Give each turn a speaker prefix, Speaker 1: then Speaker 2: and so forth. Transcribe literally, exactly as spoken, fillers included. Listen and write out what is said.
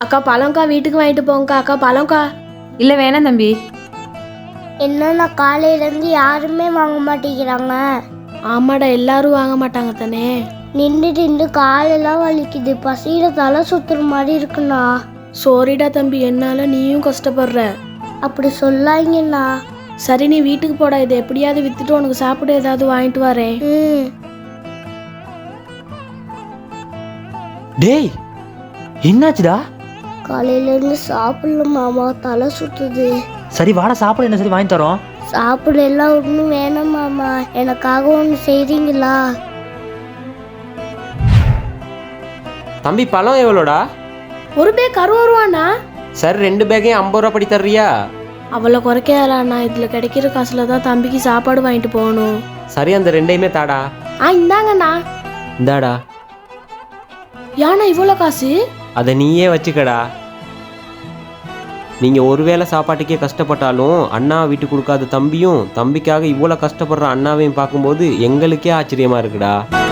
Speaker 1: அக்கா பழம்க்கா, வீட்டுக்கு வாங்கிட்டு போங்கக்கா. அக்கா பழம்க்கா.
Speaker 2: இல்லை வேணாம் தம்பி.
Speaker 3: என்னன்னா காலையிலேருந்து யாருமே வாங்க மாட்டேங்கிறாங்க.
Speaker 1: ஆமாடா, எல்லாரும் வாங்க மாட்டாங்க தானே.
Speaker 3: நின்று நின்று காலெல்லாம் வலிக்குது, பசியில தலை சுத்துற மாதிரி இருக்குண்ணா.
Speaker 1: சோரிடா தம்பி, என்னால நீயும் கஷ்டப்படுற.
Speaker 3: அப்படி சொல்லாங்கண்ணா.
Speaker 1: சரி நீ வீட்டுக்கு போடா, இதை எப்படியாவது வித்துட்டு உனக்கு சாப்பிட ஏதாவது வாங்கிட்டு வரேன்.
Speaker 3: ம்
Speaker 4: டேய் என்னாச்சுடா?
Speaker 3: காலையிலேருந்து சாப்பிடல மாமா, தலை சுத்துது.
Speaker 4: சரி வாடா சாப்பிட, என்ன சரி வாங்கி தரோம்.
Speaker 3: சாப்பிட எல்லாம் ஒன்றும் வேணாம் மாமா, எனக்காக ஒன்று செய்றீங்களா?
Speaker 5: தம்பி பழம் எவ்வளோடா?
Speaker 1: ஒரு பேக் அறுபது ரூபாண்ணா.
Speaker 5: சார் ரெண்டு பேக்கையும் ஐம்பது ரூபா படி தர்றியா?
Speaker 1: அவ்வளோ குறைக்காதண்ணா, இதில் கிடைக்கிற காசுல தான் தம்பிக்கு சாப்பாடு வாங்கிட்டு போகணும்.
Speaker 5: சரி அந்த ரெண்டையுமே தாடா.
Speaker 1: ஆ இந்தாங்கண்ணா.
Speaker 5: இந்தாடா.
Speaker 1: ஏண்ணா இவ்வளோ காசு?
Speaker 5: அதை நீயே வச்சுக்கடா. நீங்கள் ஒருவேளை சாப்பாட்டுக்கே கஷ்டப்பட்டாலும் அண்ணா விட்டு கொடுக்காத தம்பியும் தம்பிக்காக இவ்வளோ கஷ்டப்படுற அண்ணாவையும் பார்க்கும்போது எங்களுக்கே ஆச்சரியமாக இருக்குடா.